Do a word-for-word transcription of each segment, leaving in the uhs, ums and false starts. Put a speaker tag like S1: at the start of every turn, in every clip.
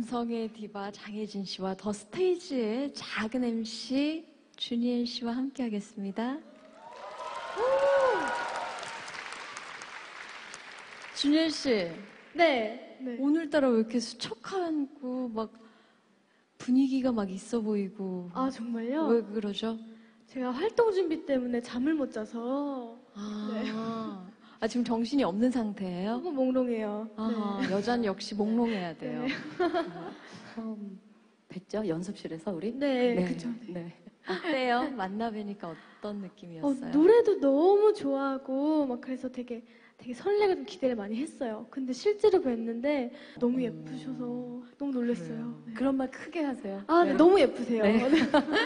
S1: 감성의 디바 장혜진 씨와 더 스테이지의 작은 엠씨 주니엘 씨와 함께 하겠습니다. 주니엘 씨.
S2: 네. 네.
S1: 오늘따라 왜 이렇게 수척하고 막 분위기가 막 있어 보이고.
S2: 아, 정말요?
S1: 왜 그러죠?
S2: 제가 활동 준비 때문에 잠을 못 자서.
S1: 아,
S2: 네.
S1: 아 지금 정신이 없는 상태예요?
S2: 조금 몽롱해요.
S1: 아,
S2: 네.
S1: 여자는 역시 몽롱해야 돼요.
S2: 네.
S3: 처음 뵀죠? 연습실에서 우리?
S2: 네, 그쵸. 네.
S3: 네.
S1: 어때요? 만나 뵈니까 어떤
S2: 어,
S1: 느낌이었어요?
S2: 노래도 너무 좋아하고 막 그래서 되게 되게 설레고 좀 기대를 많이 했어요. 근데 실제로 뵀는데 너무 예쁘셔서 너무 놀랐어요. 네.
S3: 그런 말 크게 하세요.
S2: 아, 네,
S3: 네.
S2: 너무 예쁘세요.
S3: 네.
S2: 네.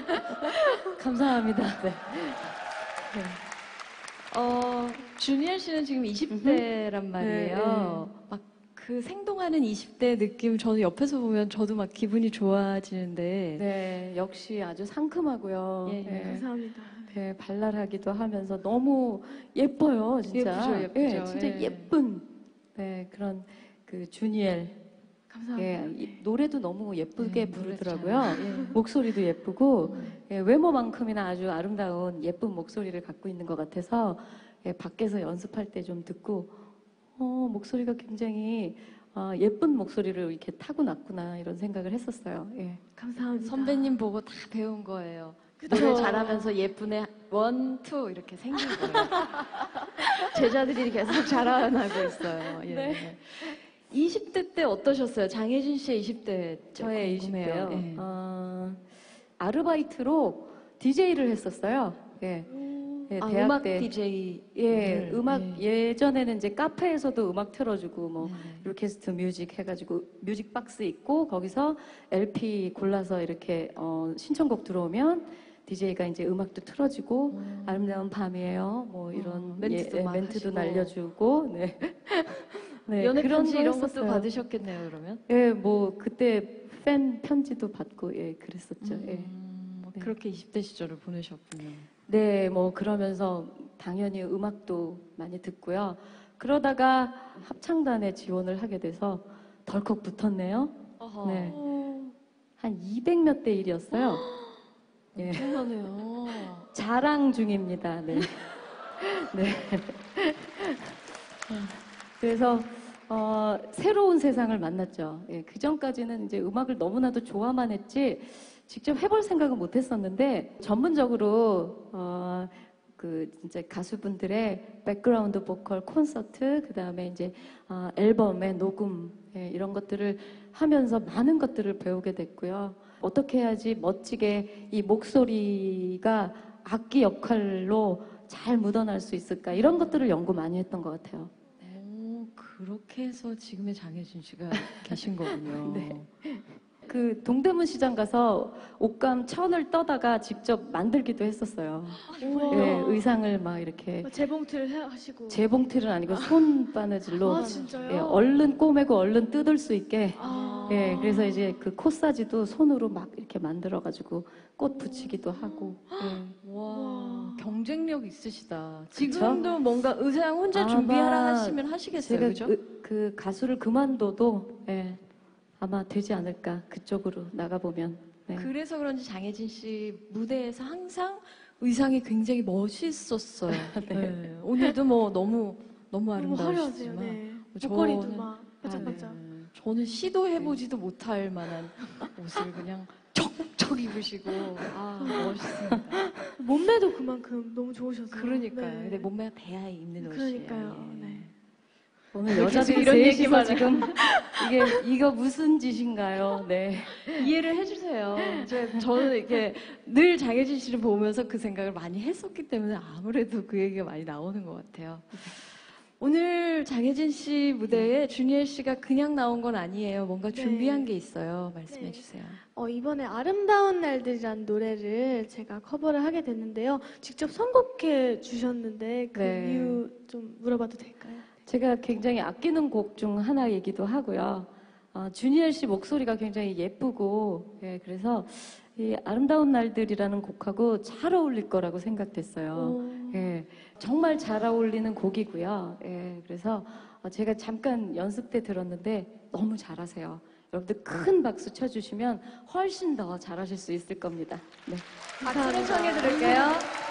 S3: 감사합니다. 네. 네.
S1: 어, 주니엘 씨는 지금 이십 대란 말이에요.
S3: 네, 네.
S1: 막 그 생동하는 이십 대 느낌 저는 옆에서 보면 저도 막 기분이 좋아지는데.
S3: 네, 역시 아주 상큼하고요.
S1: 예, 예.
S3: 네.
S2: 감사합니다.
S3: 네, 발랄하기도 하면서 너무 예뻐요, 진짜.
S1: 예쁘죠, 예쁘죠.
S3: 네, 진짜
S1: 예.
S3: 예쁜 네, 그런 그 주니엘.
S2: 감사합니다.
S3: 예, 이 노래도 너무 예쁘게
S1: 네,
S3: 부르더라고요.
S1: 노래 잘, 예.
S3: 목소리도 예쁘고
S1: 음.
S3: 예, 외모만큼이나 아주 아름다운 예쁜 목소리를 갖고 있는 것 같아서 예, 밖에서 연습할 때 좀 듣고 어, 목소리가 굉장히 어, 예쁜 목소리를 이렇게 타고났구나 이런 생각을 했었어요. 예.
S2: 감사합니다.
S1: 선배님 보고 다 배운 거예요.
S2: 그쵸.
S1: 노래 잘하면서 예쁜애 원, 투 이렇게 생긴 거예요. 제자들이 계속 자라나고 있어요. 예.
S3: 네.
S1: 이십 대 때 어떠셨어요? 장혜진 씨의 이십 대
S3: 저의 이십 대요.
S1: 예.
S3: 어, 아르바이트로 디제이를 했었어요. 예. 예,
S1: 아,
S3: 대학
S1: 음악
S3: 때.
S1: 디제이.
S3: 예, 음악
S1: 예.
S3: 예전에는 이제 카페에서도 음악 틀어주고 뭐
S1: 네.
S3: 루케스트 뮤직 해가지고 뮤직 박스 있고 거기서 엘피 골라서 이렇게 어, 신청곡 들어오면 디제이가 이제 음악도 틀어주고
S1: 음.
S3: 아름다운 밤이에요. 뭐 이런
S1: 어, 멘트도
S3: 예,
S1: 막
S3: 멘트도
S1: 하시고.
S3: 날려주고 네. 네,
S1: 연애 편지
S3: 거
S1: 이런 것도
S3: 했었어요.
S1: 받으셨겠네요, 그러면?
S3: 예, 뭐 그때 팬 편지도 받고 예, 그랬었죠. 예.
S1: 음, 뭐
S3: 네.
S1: 그렇게 이십 대 시절을 보내셨군요.
S3: 네, 뭐 그러면서 당연히 음악도 많이 듣고요. 그러다가 합창단에 지원을 하게 돼서 덜컥 붙었네요.
S1: 어허.
S3: 네.
S2: 어,
S3: 한 이백 몇 대 일이었어요. 예.
S1: 엄청나네요.
S3: 자랑 중입니다. 네. 네. 그래서 어, 새로운 세상을 만났죠. 예, 그 전까지는 이제 음악을 너무나도 좋아만 했지 직접 해볼 생각은 못했었는데 전문적으로 어, 그 진짜 가수분들의 백그라운드 보컬 콘서트 그 다음에 이제 어, 앨범의 녹음 예, 이런 것들을 하면서 많은 것들을 배우게 됐고요. 어떻게 해야지 멋지게 이 목소리가 악기 역할로 잘 묻어날 수 있을까 이런 것들을 연구 많이 했던 것 같아요.
S1: 오, 그렇게 해서 지금의 장혜진 씨가 계신 거군요.
S3: 네. 그 동대문 시장 가서 옷감 천을 떠다가 직접 만들기도 했었어요.
S2: 우와.
S3: 예, 의상을 막 이렇게
S2: 재봉틀 해- 하시고.
S3: 재봉틀은 아니고 손바느질로
S2: 아, 진짜요?
S3: 예, 얼른 꼬매고 얼른 뜯을 수 있게
S2: 아.
S3: 예, 그래서 이제 그 코사지도 손으로 막 이렇게 만들어가지고 꽃 붙이기도 하고 예.
S1: 와,
S2: 우와.
S1: 경쟁력 있으시다.
S3: 그쵸?
S1: 지금도 뭔가 의상 혼자
S3: 아마
S1: 준비하라 하시면 하시겠어요,
S3: 제가
S1: 그죠?
S3: 그, 그 가수를 그만둬도 예, 아마 되지 않을까 그쪽으로 나가보면 네.
S1: 그래서 그런지 장혜진 씨 무대에서 항상 의상이 굉장히 멋있었어요. 네. 오늘도 뭐 너무 너무
S2: 너무 화려하세요.
S1: 아름다우시지만
S2: 네.
S1: 저는-
S2: 목걸이도 막
S1: 아,
S2: 반짝반짝.
S1: 네. 저는 시도해보지도 못할 만한 옷을 그냥 척척 입으시고 아 멋있습니다.
S2: 몸매도 그만큼 너무 좋으셔서.
S1: 그러니까요.
S2: 네.
S1: 근데 몸매가 돼야 입는 옷이에요.
S2: 그러니까요.
S1: 예.
S2: 네.
S3: 오늘
S1: 계속
S3: 여자들이
S1: 이런
S3: 셋이서
S1: 얘기만
S3: 지금 이게 이거 무슨 짓인가요? 네.
S1: 이해를 해주세요. 저, 저는 이렇게 늘 장혜진 씨를 보면서 그 생각을 많이 했었기 때문에 아무래도 그 얘기가 많이 나오는 것 같아요. 오늘 장혜진 씨 무대에 주니엘 씨가 그냥 나온 건 아니에요. 뭔가
S2: 네.
S1: 준비한 게 있어요. 말씀해
S2: 네.
S1: 주세요.
S2: 어, 이번에 아름다운 날들이라는 노래를 제가 커버를 하게 됐는데요. 직접 선곡해 주셨는데 그
S3: 네.
S2: 이유 좀 물어봐도 될까요?
S3: 제가 굉장히 아끼는 곡 중 하나이기도 하고요. 어, 주니엘 씨 목소리가 굉장히 예쁘고, 예, 그래서 이 아름다운 날들이라는 곡하고 잘 어울릴 거라고 생각됐어요.
S2: 오.
S3: 예, 정말 잘 어울리는 곡이고요. 예, 그래서 어, 제가 잠깐 연습 때 들었는데 너무 잘하세요. 여러분들 큰 박수 쳐주시면 훨씬 더 잘하실 수 있을 겁니다. 네.
S1: 박수로 청해 드릴게요.